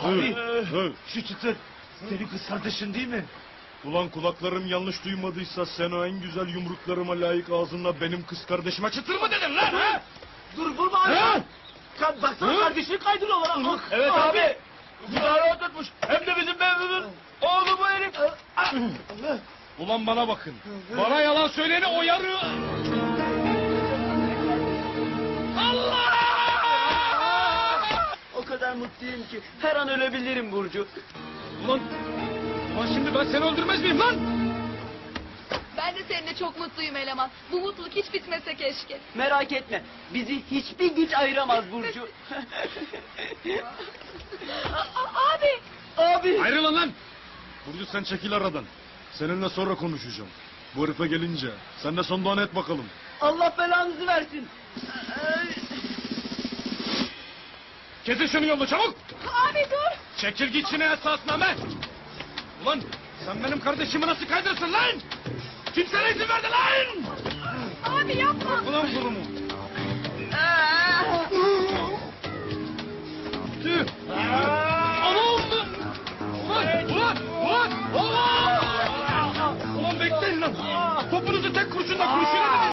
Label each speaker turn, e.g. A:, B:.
A: Abi, şu çıtır senin kız kardeşin değil mi?
B: Ulan kulaklarım yanlış duymadıysa sen o en güzel yumruklarıma layık ağzınla benim kız kardeşime çıtır mı dedin lan ha?
A: Dur vurma abi.
B: Ha?
A: Baksana kardeşini kaydırıyorlar. Ah,
B: Evet abi. Güzel oturtmuş. Hem de bizim Mevlüt'ün oğlu bu herif. Ulan bana bakın. Bana yalan söyleyeni oyarı. Allah!
C: O kadar mutluyum ki her an ölebilirim Burcu.
B: Ulan şimdi ben seni öldürmez miyim lan?
D: Ben de seninle çok mutluyum eleman. Bu mutluluk hiç bitmese keşke.
C: Merak etme, bizi hiçbir güç ayıramaz Burcu.
D: Abi!
C: Abi!
B: Ayrılın lan! Burcu sen çekil aradan. Seninle sonra konuşacağım. Bu herife gelince sen de son duanı et bakalım.
C: Allah belanızı versin.
B: Kesin şunu yolunu çabuk!
D: Abi dur!
B: Çekil git şine esasname! Ulan sen benim kardeşimi nasıl kaydırsın lan? Kim sana izin verdi lan?
D: Abi yapma!
B: Ulan kulumu! Tüh! Anam! Ulan bekleyin lan! Topunuzu tek kurşunla kurşuna